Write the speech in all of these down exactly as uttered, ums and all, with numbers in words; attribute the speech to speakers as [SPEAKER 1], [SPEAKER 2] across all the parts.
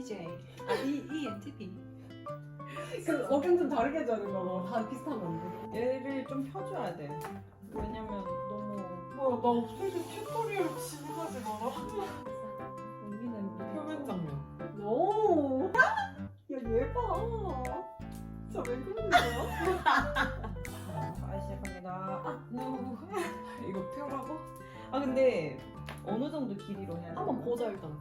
[SPEAKER 1] 이엔티제이. 아, E, 이엔티피.
[SPEAKER 2] 그 어깨 좀 다르게 해줘야 되는 거. 다 비슷하면 안 돼.
[SPEAKER 3] 얘를 좀 펴줘야 돼. 왜냐면 너무
[SPEAKER 4] 뭐야 나 없어질 튜토리얼 진행하지 마라.
[SPEAKER 3] 여기는
[SPEAKER 4] 표면 장면.
[SPEAKER 2] 오. 야얘 봐. 진짜 왜 그러는 거야?
[SPEAKER 3] 아 시작합니다.
[SPEAKER 4] 우. 이거 펴라고?
[SPEAKER 3] 아 근데 어느 정도 길이로 해야 돼?
[SPEAKER 2] 한번 보자 일단.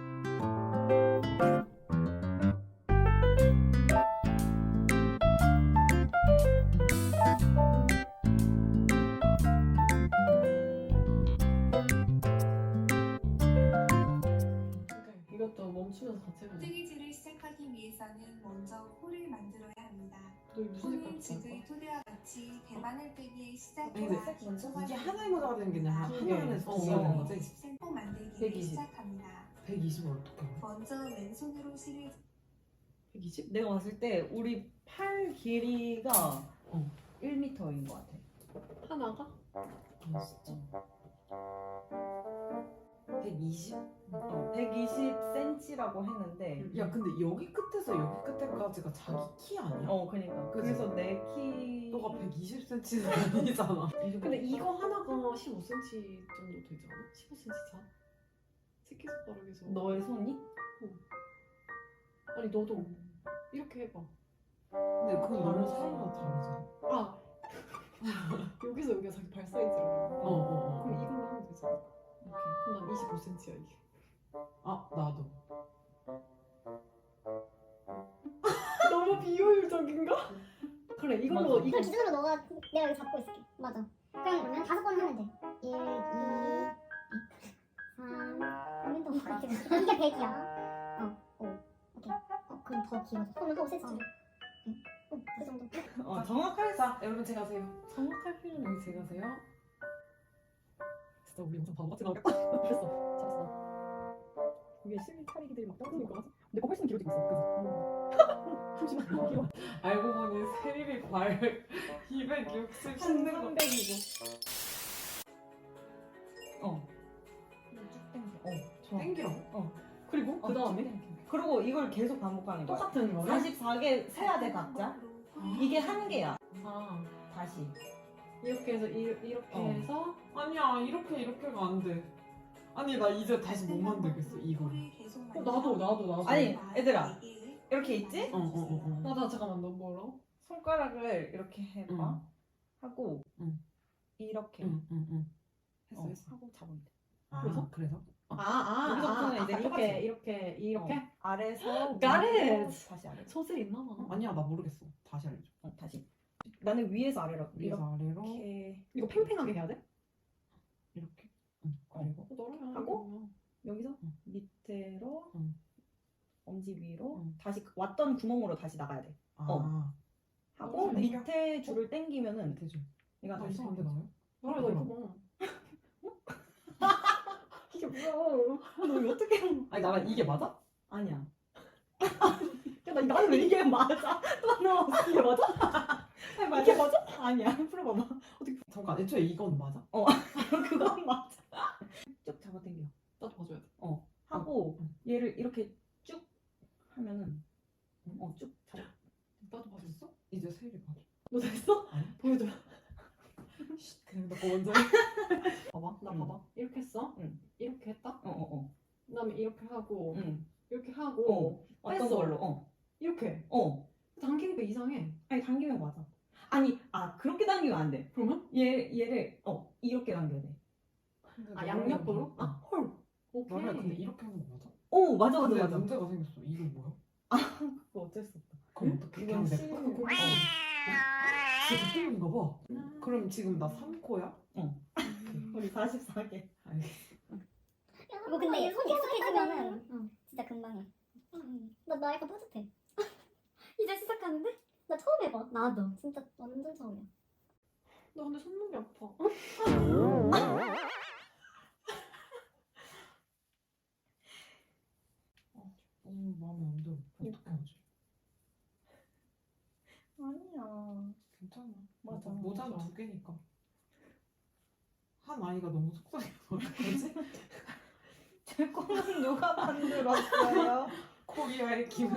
[SPEAKER 2] 오케이. 이것도 멈추면서 같이 해보자.
[SPEAKER 5] 뜨개질을 시작하기 위해서는 먼저 홀을 만들어야 합니다.
[SPEAKER 2] 너희 무슨
[SPEAKER 5] 홀은
[SPEAKER 2] 색깔
[SPEAKER 5] 지그의
[SPEAKER 2] 할 거야?
[SPEAKER 5] 토대와 같이 대바늘 뜨기의
[SPEAKER 4] 아니,
[SPEAKER 5] 시작과
[SPEAKER 4] 근데
[SPEAKER 2] 먼저?
[SPEAKER 4] 이게 하나의 모자가 되는 게 아니라
[SPEAKER 2] 두 개.
[SPEAKER 4] 하나에서
[SPEAKER 2] 어,
[SPEAKER 4] 두 개가 되는
[SPEAKER 2] 어.
[SPEAKER 4] 거지?
[SPEAKER 5] 백이십 센티미터 만들기를
[SPEAKER 4] 백이십.
[SPEAKER 5] 시작합니다.
[SPEAKER 4] 백이십을 어떻게 해?
[SPEAKER 5] 먼저 왼손으로 실을
[SPEAKER 2] 백이십?
[SPEAKER 3] 내가 봤을 때 우리 팔 길이가
[SPEAKER 4] 어.
[SPEAKER 3] 일 미터인 것 같아.
[SPEAKER 2] 하나가?
[SPEAKER 4] 아 진짜? 백이십?
[SPEAKER 3] 어, 백이십 센티미터라고 했는데
[SPEAKER 4] 야 근데 여기 끝에서 여기 끝에까지가 자기 키 아니야?
[SPEAKER 3] 어 그니까
[SPEAKER 4] 그치?
[SPEAKER 3] 그래서 내 키
[SPEAKER 4] 너가 백이십 센티미터는 아니잖아.
[SPEAKER 2] 근데 이거 하나가 십오 센티미터 정도 되지 않아? 십오 센티미터 차? 새끼손가락에서
[SPEAKER 3] 너의 손이?
[SPEAKER 2] 아니 너도 이렇게 해봐.
[SPEAKER 4] 근데 그건 너무 사이가 다르잖아.
[SPEAKER 2] 아 여기서 여기가 자기 발 사이즈라고.
[SPEAKER 4] 어, 어, 어.
[SPEAKER 2] 그럼 이걸로 하면 되잖아. 그럼 난 이십오 센티미터야 이게.
[SPEAKER 4] 아 나도.
[SPEAKER 2] 너무 비효율적인가? 그래 이걸로
[SPEAKER 3] 맞아.
[SPEAKER 2] 이거
[SPEAKER 6] 이걸 기준으로 너가 내가 여기 잡고 있을게. 맞아. 그냥 그러면 다섯 번 하면 돼. 일, 이, 삼. 그러면 더 그렇게 돼. 이게 백이야. 어, 오. 오케이. 어, 그럼 더 길어져. 손을 하고 세트. 응. 어, 그 정도.
[SPEAKER 3] 어 정확할
[SPEAKER 4] 자 여러분 제가 하세요.
[SPEAKER 3] 정확할 필요는
[SPEAKER 4] 여기 제가 하세요. 진짜 우리 영상 바보같이 나오겠다. 됐어. 잘했어.
[SPEAKER 2] 위에 실리 차리기들이 막 떨어지는 거 같아. 근데 거 훨씬 길어지고 있어. 그래서 잠시만 길어.
[SPEAKER 4] 알고 보니 세림이 발 이백육십 씻는 거.
[SPEAKER 3] 삼백이고. 어. 쭉 당겨. 어 좋아.
[SPEAKER 4] 땡기라고?
[SPEAKER 2] 그리고
[SPEAKER 3] 어,
[SPEAKER 2] 그 다음에
[SPEAKER 3] 쭉 당겨. 그리고 이걸 계속 반복하는 거야.
[SPEAKER 2] 똑같은 거를.
[SPEAKER 3] 사십사 개 세야 돼 각자. 이게 한 개야.
[SPEAKER 2] 아
[SPEAKER 3] 다시.
[SPEAKER 2] 이렇게 해서 이, 이렇게
[SPEAKER 3] 어.
[SPEAKER 2] 해서
[SPEAKER 4] 아니야 이렇게 이렇게가 안 돼. 아니 나 이제 다시 못 만들겠어 이거를.
[SPEAKER 2] 어, 나도 나도 나도.
[SPEAKER 3] 아니, 얘들아. 이렇게 있지?
[SPEAKER 4] 어어어 어, 어, 어.
[SPEAKER 2] 나, 나 잠깐만 너 뭐라고?
[SPEAKER 3] 손가락을 이렇게 해봐.
[SPEAKER 4] 응.
[SPEAKER 3] 하고
[SPEAKER 4] 응.
[SPEAKER 3] 이렇게
[SPEAKER 4] 응, 응, 응. 했어,
[SPEAKER 3] 어,
[SPEAKER 4] 했어.
[SPEAKER 3] 하고 잡으면 돼.
[SPEAKER 4] 아,
[SPEAKER 2] 그래서?
[SPEAKER 4] 그래서?
[SPEAKER 2] 아, 아,
[SPEAKER 3] 여기서부터는
[SPEAKER 2] 아,
[SPEAKER 3] 이제
[SPEAKER 2] 아,
[SPEAKER 3] 똑같이.
[SPEAKER 2] 이렇게, 이렇게, 이렇게?
[SPEAKER 3] 어, 아래서
[SPEAKER 2] Got
[SPEAKER 3] 위로,
[SPEAKER 2] it.
[SPEAKER 3] 다시 아래로.
[SPEAKER 2] 소질 있나 봐.
[SPEAKER 4] 아니야 나 모르겠어. 다시 알려줘.
[SPEAKER 3] 어, 다시. 나는 위에서 아래로
[SPEAKER 4] 위에서 아래로
[SPEAKER 3] 이렇게
[SPEAKER 2] 이거 팽팽하게 해야 돼?
[SPEAKER 4] 이렇게. 응. 그리고
[SPEAKER 2] 어, 너랑
[SPEAKER 3] 하고? 여기서
[SPEAKER 4] 응.
[SPEAKER 3] 밑으로
[SPEAKER 4] 응.
[SPEAKER 3] 엄지 위로
[SPEAKER 4] 응.
[SPEAKER 3] 다시 왔던 구멍으로 다시 나가야 돼.
[SPEAKER 4] 아
[SPEAKER 3] 어. 하고
[SPEAKER 4] 어,
[SPEAKER 3] 밑에 줄을 당기면은
[SPEAKER 4] 밑에 좀.
[SPEAKER 3] 얘가
[SPEAKER 4] 아
[SPEAKER 3] 다시
[SPEAKER 4] 이상한데 나요?
[SPEAKER 2] 나랑 나 이거 봐. 이게 뭐야?
[SPEAKER 3] 너 이거 어떻게
[SPEAKER 4] 아니 나랑 이게 맞아?
[SPEAKER 3] 아니야.
[SPEAKER 2] 야, 나 이거
[SPEAKER 3] 나는 왜 이게 맞아? 또 너 이게 맞아? 아니, 맞아? 이게 맞아? 아니야. 풀어봐봐.
[SPEAKER 4] 잠깐 애초에 이건 맞아?
[SPEAKER 3] 그건 맞아. 쭉 잡아당겨.
[SPEAKER 2] 나도 봐줘야 돼.
[SPEAKER 3] 하고
[SPEAKER 4] 응.
[SPEAKER 3] 얘를 이렇게 쭉 하면은 어쭉 잡아.
[SPEAKER 2] 나도 봐줬어?
[SPEAKER 4] 이제 세일이 맞아.
[SPEAKER 2] 너 됐어?
[SPEAKER 4] 아니.
[SPEAKER 2] 보여줘.
[SPEAKER 4] 그냥 나 먼저
[SPEAKER 2] 봐봐. 나
[SPEAKER 3] 응.
[SPEAKER 2] 봐봐. 이렇게 했어?
[SPEAKER 3] 응.
[SPEAKER 2] 이렇게 했다?
[SPEAKER 3] 어어어.
[SPEAKER 2] 그다음에 이렇게 하고
[SPEAKER 3] 응.
[SPEAKER 2] 이렇게 하고
[SPEAKER 3] 어. 어떤
[SPEAKER 2] 뺐어.
[SPEAKER 3] 걸로? 어.
[SPEAKER 2] 이렇게
[SPEAKER 3] 어.
[SPEAKER 2] 당기니까 이상해.
[SPEAKER 3] 아니 당기면 맞아. 아니 아 그렇게 당기면 안 돼.
[SPEAKER 2] 그러면?
[SPEAKER 3] 얘 얘를 어 이렇게 당겨야 돼.
[SPEAKER 2] 아 양옆으로? 아 헐. 오케이.
[SPEAKER 4] 나랑 근데 이렇게 하는 거 맞아?
[SPEAKER 3] 오 맞아 맞아
[SPEAKER 4] 근데
[SPEAKER 3] 맞아.
[SPEAKER 4] 문제가 생겼어. 이거 뭐야?
[SPEAKER 3] 그거 어쩔 수 없다.
[SPEAKER 4] 그럼 어떻게
[SPEAKER 3] 이건
[SPEAKER 4] 그냥 내
[SPEAKER 3] 씨-
[SPEAKER 4] 거?
[SPEAKER 3] 어.
[SPEAKER 4] 진짜 틀린가 봐. 그럼 지금 나 삼 코야?
[SPEAKER 3] 우리 사십사 개.
[SPEAKER 4] 알겠어.
[SPEAKER 6] 뭐 근데 손 익숙해지면은 응, 진짜 금방 해. 나, 나 약간 뿌듯해. 이제 시작하는데? 나 처음 해봐. 나도. 진짜 완전 처음이야.
[SPEAKER 2] 나 근데 손목이 아파.
[SPEAKER 4] 너무 마음에 안 들어. 어떻게 하지?
[SPEAKER 3] 아니야.
[SPEAKER 4] 괜찮아.
[SPEAKER 3] 맞아,
[SPEAKER 4] 모자는
[SPEAKER 2] 맞아.
[SPEAKER 4] 두 개니까. 한 아이가 너무 속상해서 어떡하지?
[SPEAKER 3] 제 꿈은 누가 만들었어요?
[SPEAKER 4] 코리아의 기분이.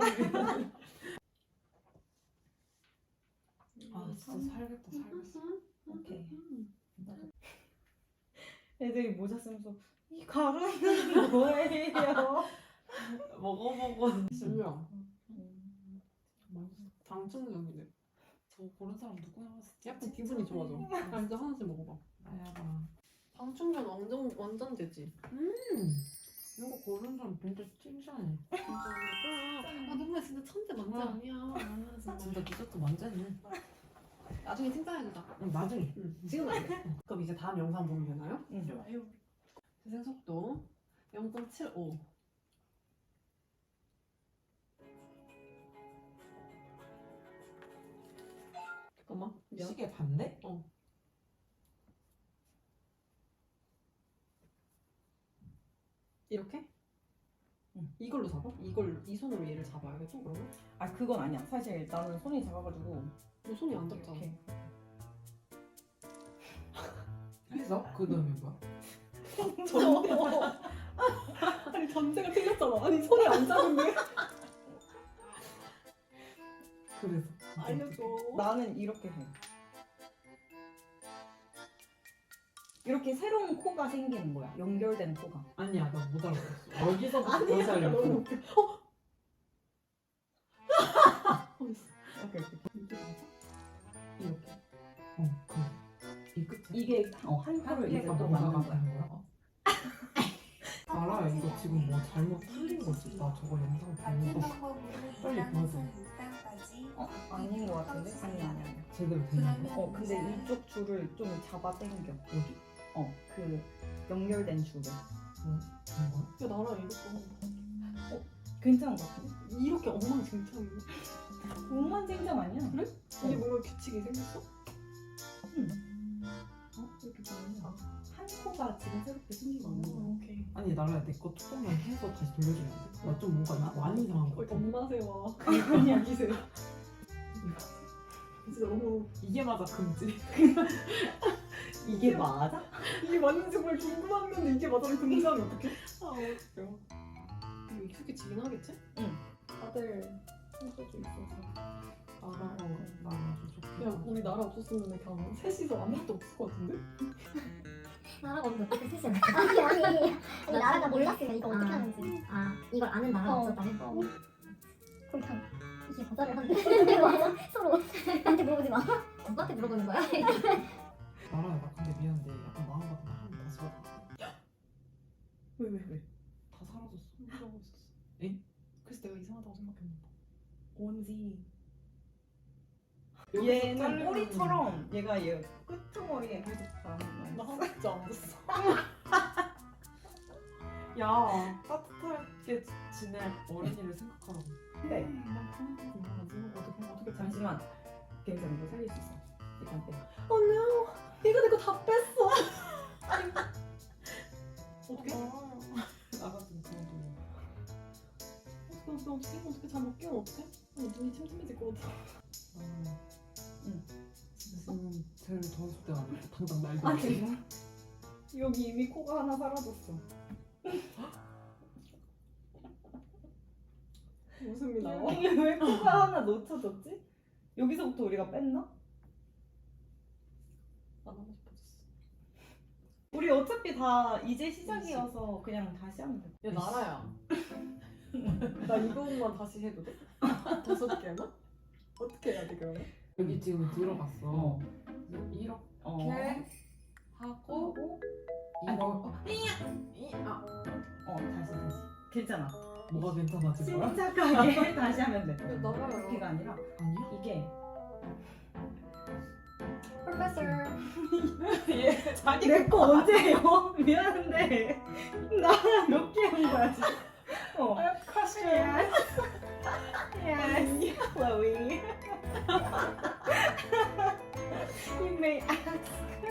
[SPEAKER 4] 아 진짜 살겠다 살겠어.
[SPEAKER 3] 오케이.
[SPEAKER 2] 음.
[SPEAKER 3] 애들이 모자 쓰면서 이 가루는 뭐예요?
[SPEAKER 4] 먹어보고 진짜
[SPEAKER 3] 음.
[SPEAKER 4] 당첨적이네. 저거 고른 사람 누구야? 약간 기분이 좋아져. 아 이제 하나씩 먹어봐. 나야봐.
[SPEAKER 2] 방충전 완전 완전 되지.
[SPEAKER 4] 음 이거 고른 사람 진짜 칭찬해.
[SPEAKER 2] 아 너무 진짜 천재 만재
[SPEAKER 4] 아.
[SPEAKER 2] 아니야. 아, 진짜.
[SPEAKER 4] 진짜 디저트 만졌네.
[SPEAKER 2] 나중에 칭찬해주자.
[SPEAKER 4] 응, 나중에.
[SPEAKER 2] 응. 지금 안 돼. 그럼 이제 다음 영상 보면 되나요?
[SPEAKER 3] 응.
[SPEAKER 2] 좋아요. 재생 속도 영 점 칠오. 잠깐만. 미안.
[SPEAKER 4] 시계 반대?
[SPEAKER 2] 어. 이렇게?
[SPEAKER 3] 응.
[SPEAKER 2] 이걸로 잡아? 이걸 이 손으로 얘를 잡아야겠죠 그러면?
[SPEAKER 3] 아 그건 아니야. 사실 나는 손이 작아가지고
[SPEAKER 2] 너 손이 안 닿잖아.
[SPEAKER 3] 이렇게.
[SPEAKER 4] 해서? 그 다음에 뭐야?
[SPEAKER 2] 아니 전제가 틀렸잖아. 아니 손이 안 작은데?
[SPEAKER 4] 그래서
[SPEAKER 2] 알려줘.
[SPEAKER 3] 나는 이렇게 해. 이렇게 새로운 코가 생기는 거야. 연결된 코가.
[SPEAKER 4] 아니야 나 못 알아봤어. 여기서부터 다시
[SPEAKER 2] 아니야. 너무
[SPEAKER 4] 알려줘.
[SPEAKER 2] 웃겨. 어? 어, 있어.
[SPEAKER 3] 이렇게 이렇게.
[SPEAKER 2] 이게 맞아?
[SPEAKER 4] 이렇게. 어 그래. 이 끝에.
[SPEAKER 3] 이게 어, 한 코를 이제
[SPEAKER 4] 개가
[SPEAKER 3] 또
[SPEAKER 4] 뭔가가
[SPEAKER 3] 만든 거야.
[SPEAKER 4] 되는 거야? 알아 이거 지금 뭐 잘못 틀린 거지. 나 저거 영상 보는
[SPEAKER 5] 같은
[SPEAKER 4] 거
[SPEAKER 5] 방법으로
[SPEAKER 4] 빨리 보여줘.
[SPEAKER 5] 이 단까지
[SPEAKER 3] 어 아닌 것 같은데? 아니 아니 아니.
[SPEAKER 4] 제대로 되는 거.
[SPEAKER 3] 어 근데 이쪽 줄을 좀 잡아 당겨.
[SPEAKER 4] 여기?
[SPEAKER 3] 어 그 연결된 줄을.
[SPEAKER 4] 뭐 그런 거야?
[SPEAKER 2] 야 나랑 이것도
[SPEAKER 3] 괜찮은 것 같은데?
[SPEAKER 2] 이렇게 엉망진창이야.
[SPEAKER 3] 엉망진창 아니야?
[SPEAKER 2] 그래? 이게 뭔가 규칙이 생겼어?
[SPEAKER 3] 어? 이렇게 보면 한 코가 지금 새롭게 생기고 있는 거야.
[SPEAKER 2] 오케이.
[SPEAKER 4] 아니 나라야 내 거 조금만 해서 다시 돌려주면 안 돼? 나 좀 뭔가 이거 많이 이상한 거
[SPEAKER 2] 거의
[SPEAKER 4] 같아.
[SPEAKER 2] 엄마세와 그냥 기세. 진짜 너무
[SPEAKER 4] 이게 맞아 금지.
[SPEAKER 3] 이게 맞아?
[SPEAKER 2] 이게 맞는지 정말 궁금한 건데 이게 맞아면 금지하면 어떡해? 아 웃겨. 이거 익숙해지긴 하겠지?
[SPEAKER 3] 응.
[SPEAKER 2] 다들 손소주 있어서.
[SPEAKER 4] 나라 나 아주 좋게.
[SPEAKER 2] 야 우리 나라 없었으면 그냥 셋이서 아무것도 없을 것 같은데?
[SPEAKER 6] 나라가 없는데 어떻게 쓰시는 거야? 아니 아니 아니 나라가 몰랐으면 이거 어떻게 하는지 아 이걸 아는 나라가
[SPEAKER 2] 어.
[SPEAKER 6] 없었다면? 어. 그럼 그냥 이게 거절을 하는데 맞아? 서로 나한테 물어보지 마 누구한테 물어보는 거야?
[SPEAKER 4] 나라야 나 근데 미안한데 약간 마음 같은 거 하면 다시 받아.
[SPEAKER 2] 왜 왜 왜?
[SPEAKER 4] 다 사라졌어.
[SPEAKER 2] 뭐라고 있었어?
[SPEAKER 4] 엥?
[SPEAKER 2] 그래서 내가 이상하다고 생각했나 봐.
[SPEAKER 3] 뭔지.
[SPEAKER 4] 여기서
[SPEAKER 3] 얘는
[SPEAKER 4] 자르면-
[SPEAKER 3] 꼬리처럼 얘가 얘 끄트머리에 계속 가는
[SPEAKER 2] 나
[SPEAKER 3] 거야.
[SPEAKER 2] 하나도 안 봤어.
[SPEAKER 4] 야 따뜻하게 지낼 어린이를 생각하라고.
[SPEAKER 3] 근데
[SPEAKER 2] 나 하나도 안 생각 어떻게 어떻게
[SPEAKER 3] 잠시만. 괜찮아 이거 살릴 수 있어. 이건 빼.
[SPEAKER 2] Oh no! 이거 내 거 다 뺐어. 어떻게?
[SPEAKER 4] 나 같은 그런 돈.
[SPEAKER 2] 어떻게 어떻게 어떻게 잘못 끼면 어떡해? 어, 눈이 침침해질 것 같아.
[SPEAKER 4] 나는
[SPEAKER 3] 응.
[SPEAKER 4] 지금 제일 더웠을 때가 아니고 당장 날도.
[SPEAKER 3] 아니 여기 이미 코가 하나 사라졌어.
[SPEAKER 2] 웃음이 나와.
[SPEAKER 3] 이게 왜 코가 하나 놓쳐졌지? 여기서부터 우리가 뺐나?
[SPEAKER 2] 안 하고 싶어졌어.
[SPEAKER 3] 우리 어차피 다 이제 시작이어서 그냥 다시 하면 돼.
[SPEAKER 2] 야 나라야. 나 이거만 다시 해도 돼? 다섯 개나? 어떻게 해야 돼 그러면?
[SPEAKER 4] 여기 지금 들어갔어.
[SPEAKER 3] 어.
[SPEAKER 4] 이렇게
[SPEAKER 3] 어.
[SPEAKER 4] 하고
[SPEAKER 3] 하고
[SPEAKER 4] 이거
[SPEAKER 3] 어,
[SPEAKER 4] 이 아.
[SPEAKER 3] 어 다시 다시. 괜찮아.
[SPEAKER 4] 뭐가 괜찮아진 거야?
[SPEAKER 3] 침착하게 다시 하면 돼.
[SPEAKER 2] 야 나라야.
[SPEAKER 3] 이렇게가 아니라
[SPEAKER 4] 아니야?
[SPEAKER 3] 이게
[SPEAKER 2] 프로페서.
[SPEAKER 4] 얘 자기
[SPEAKER 3] 내 거 언제예요? 미안한데 나 몇 개 한 거야 지금. 어.
[SPEAKER 2] 크러쉬.
[SPEAKER 3] Yes, Chloe. You may ask.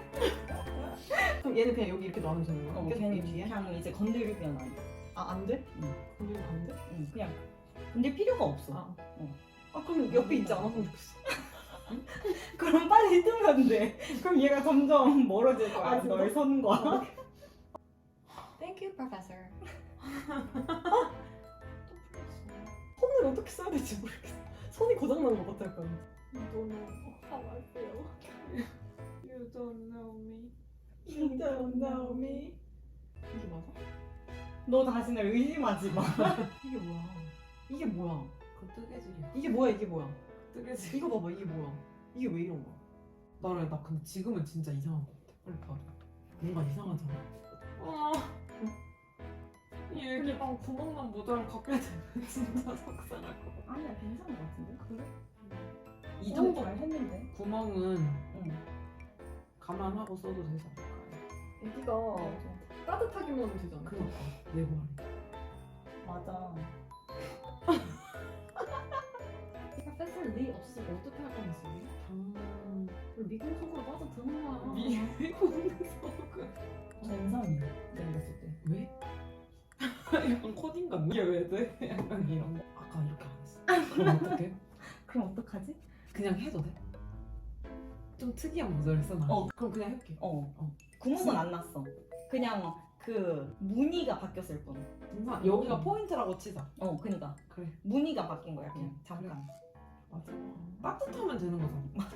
[SPEAKER 2] 그럼 얘는 그냥 여기 이렇게 놔두면 되는 거야?
[SPEAKER 3] 어,
[SPEAKER 2] 계속
[SPEAKER 3] 걔는
[SPEAKER 2] 이 뒤에?
[SPEAKER 3] 그냥 이제 건드리면 안 돼.
[SPEAKER 2] 아, 안 돼?
[SPEAKER 3] 응.
[SPEAKER 2] 건드리면 안 돼?
[SPEAKER 3] 응, 그냥 건들 필요가 없어.
[SPEAKER 2] 아.
[SPEAKER 3] 어.
[SPEAKER 2] 아, 그럼 옆에 있지 않았으면 좋겠어.
[SPEAKER 3] 그럼 빨리 뜨면 돼. 그럼 얘가 점점 멀어질 거야.
[SPEAKER 2] 아, 진짜?
[SPEAKER 3] 널 선과.
[SPEAKER 2] Thank you, Professor. 손을 어떻게 써야 될지 모르겠어. 손이 고장난 것 같아 약간. You don't know how I feel.
[SPEAKER 4] You don't know me.
[SPEAKER 2] You don't know me.
[SPEAKER 4] 이게 맞아?
[SPEAKER 3] 너 자신을 의심하지 마.
[SPEAKER 2] 이게 뭐야? 이게 뭐야?
[SPEAKER 4] 그 뜨개질이야.
[SPEAKER 2] 이게 뭐야? 이게 뭐야?
[SPEAKER 4] 뜨개질.
[SPEAKER 2] 이거 봐봐. 이게 뭐야? 이게 왜 이런 거야?
[SPEAKER 4] 나를 나 근데 지금은 진짜 이상한 것 같아. 빨리 봐. 뭔가 이상하잖아. 아. 이 애기랑 구멍난 모자를 갖게 되면 진짜 속상할 것 같아.
[SPEAKER 3] 아니야 괜찮은 것 같은데.
[SPEAKER 2] 그래?
[SPEAKER 4] 이
[SPEAKER 3] 너무
[SPEAKER 4] 정도
[SPEAKER 3] 잘 했는데.
[SPEAKER 4] 구멍은
[SPEAKER 3] 응.
[SPEAKER 4] 감안하고 써도 되지 않을까요?
[SPEAKER 2] 애기가 따뜻하기만 하면 되잖아.
[SPEAKER 4] 그러니까 내 말이.
[SPEAKER 3] 맞아.
[SPEAKER 1] 뺏을 리 없으면 어떻게 할 거면서?
[SPEAKER 4] 음.
[SPEAKER 1] 미국 속으로 빠져드는 거야.
[SPEAKER 4] 미국 속은
[SPEAKER 3] 전상이 내가 봤을 때.
[SPEAKER 4] 왜? 약간 코딩 같네. 이게 왜 돼? 약간 이런 거. 아까 이렇게 안 했어. 그럼 어떡해?
[SPEAKER 3] 그럼 어떡하지?
[SPEAKER 4] 그냥 해도 돼? 좀 특이한 모자를 써놔.
[SPEAKER 3] 어.
[SPEAKER 4] 그럼 그냥 해볼게.
[SPEAKER 3] 어.
[SPEAKER 4] 어.
[SPEAKER 3] 구멍은 안 났어. 그냥 그 무늬가 바뀌었을 뿐.
[SPEAKER 4] 정말 여기가 포인트라고 치자.
[SPEAKER 3] 어, 그니까
[SPEAKER 4] 그래.
[SPEAKER 3] 무늬가 바뀐 거야 그냥
[SPEAKER 4] 응,
[SPEAKER 3] 잠깐.
[SPEAKER 4] 맞아. 따뜻하면 되는 거잖아.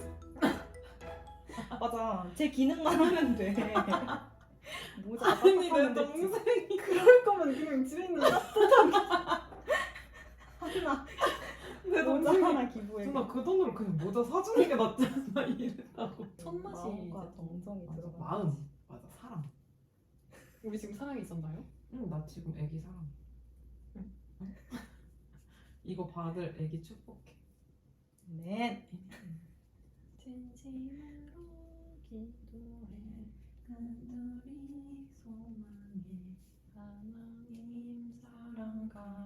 [SPEAKER 3] 맞아. 제 기능만 하면 돼. 모자
[SPEAKER 4] 아니 내
[SPEAKER 3] 따뜻하면 되지.
[SPEAKER 4] 동생이
[SPEAKER 2] 그럴 거면 그냥 집에 있는 따뜻한
[SPEAKER 3] 하나
[SPEAKER 4] 내
[SPEAKER 3] 모자
[SPEAKER 4] 동생이
[SPEAKER 3] 하나 기부해.
[SPEAKER 4] 누나 그 돈으로 그냥 모자 사주는 게 낫지 않나 이랬다고.
[SPEAKER 1] 손맛이
[SPEAKER 3] 마음과 정성이
[SPEAKER 4] 맞아,
[SPEAKER 3] 들어가.
[SPEAKER 4] 마음. 맞아 사랑.
[SPEAKER 1] 우리 지금 사랑이 있었나요?
[SPEAKER 4] 응, 나 지금 애기 사랑. 응? 응? 이거 받을 애기 축복해.
[SPEAKER 3] 네.
[SPEAKER 1] 진심으로 기도해 간절히 소망해 하나님 사랑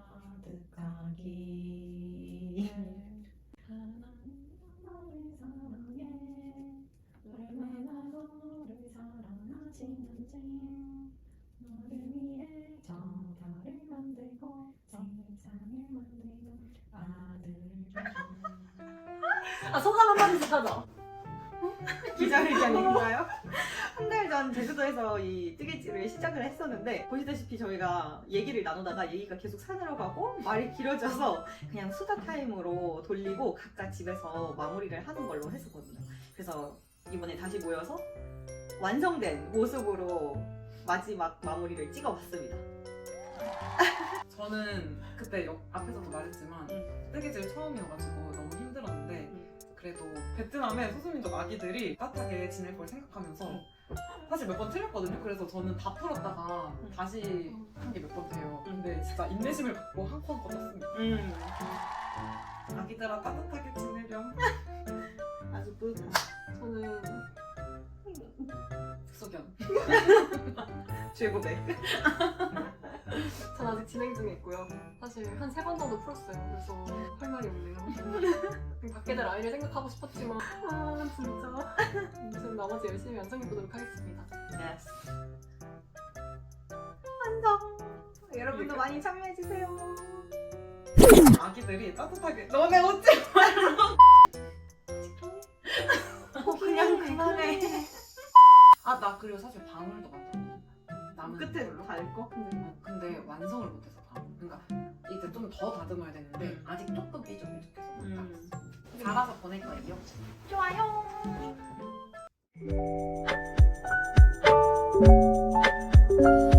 [SPEAKER 3] 가득하기.
[SPEAKER 1] 하나님 너를 사랑해 얼마나 너를 사랑하시는지 너를 위해 저 별을 만들고 세상을 만들고 아들을 아 소감 한마디씩 하자.
[SPEAKER 7] 기자회견인가요? 한 달 전 제주도에서 이 뜨개질을 시작을 했었는데 보시다시피 저희가 얘기를 나누다가 얘기가 계속 산으로 가고 말이 길어져서 그냥 수다 타임으로 돌리고 각자 집에서 마무리를 하는 걸로 했었거든요. 그래서 이번에 다시 모여서 완성된 모습으로 마지막 마무리를 찍어봤습니다.
[SPEAKER 4] 저는 그때 옆, 앞에서도 말했지만 뜨개질 처음이어가지고 너무 힘들었는데 그래도 베트남의 소수민족 아기들이 따뜻하게 지낼 걸 생각하면서 사실 몇 번 틀렸거든요. 그래서 저는 다 풀었다가 다시 한 게 몇 번 돼요. 근데 진짜 인내심을 갖고 한 건 걷었습니다.
[SPEAKER 7] 음,
[SPEAKER 4] 아기들아 따뜻하게 지내렴.
[SPEAKER 7] 아주 뿌듯한.
[SPEAKER 1] 저는
[SPEAKER 4] 숙소견.
[SPEAKER 7] 최고백.
[SPEAKER 1] 전 아직 진행 중에 있고요. 사실 한 세 번 정도 풀었어요. 그래서 할 말이 없네요. 밖에들 아이를 생각하고 싶었지만 아 진짜 지금 나머지 열심히 완성해보도록 하겠습니다.
[SPEAKER 7] Yes. 완성. 여러분도 많이 참여해주세요.
[SPEAKER 4] 아기들이 따뜻하게 너네 웃지 말라.
[SPEAKER 7] 어, 그냥 그만해.
[SPEAKER 4] 아 나 그리고 사실 방울도 만들었거든. 남은
[SPEAKER 7] 끝에
[SPEAKER 4] 걸로.
[SPEAKER 7] 달 거?
[SPEAKER 4] 어, 근데 완성을 못해서 방울. 그러니까 이제 좀 더 다듬어야 되는데
[SPEAKER 7] 음.
[SPEAKER 4] 아직 조금 삐죽삐죽해서 못
[SPEAKER 7] 음.
[SPEAKER 4] 땄어. 갈아서 보낼 거예요.
[SPEAKER 7] 좋아요.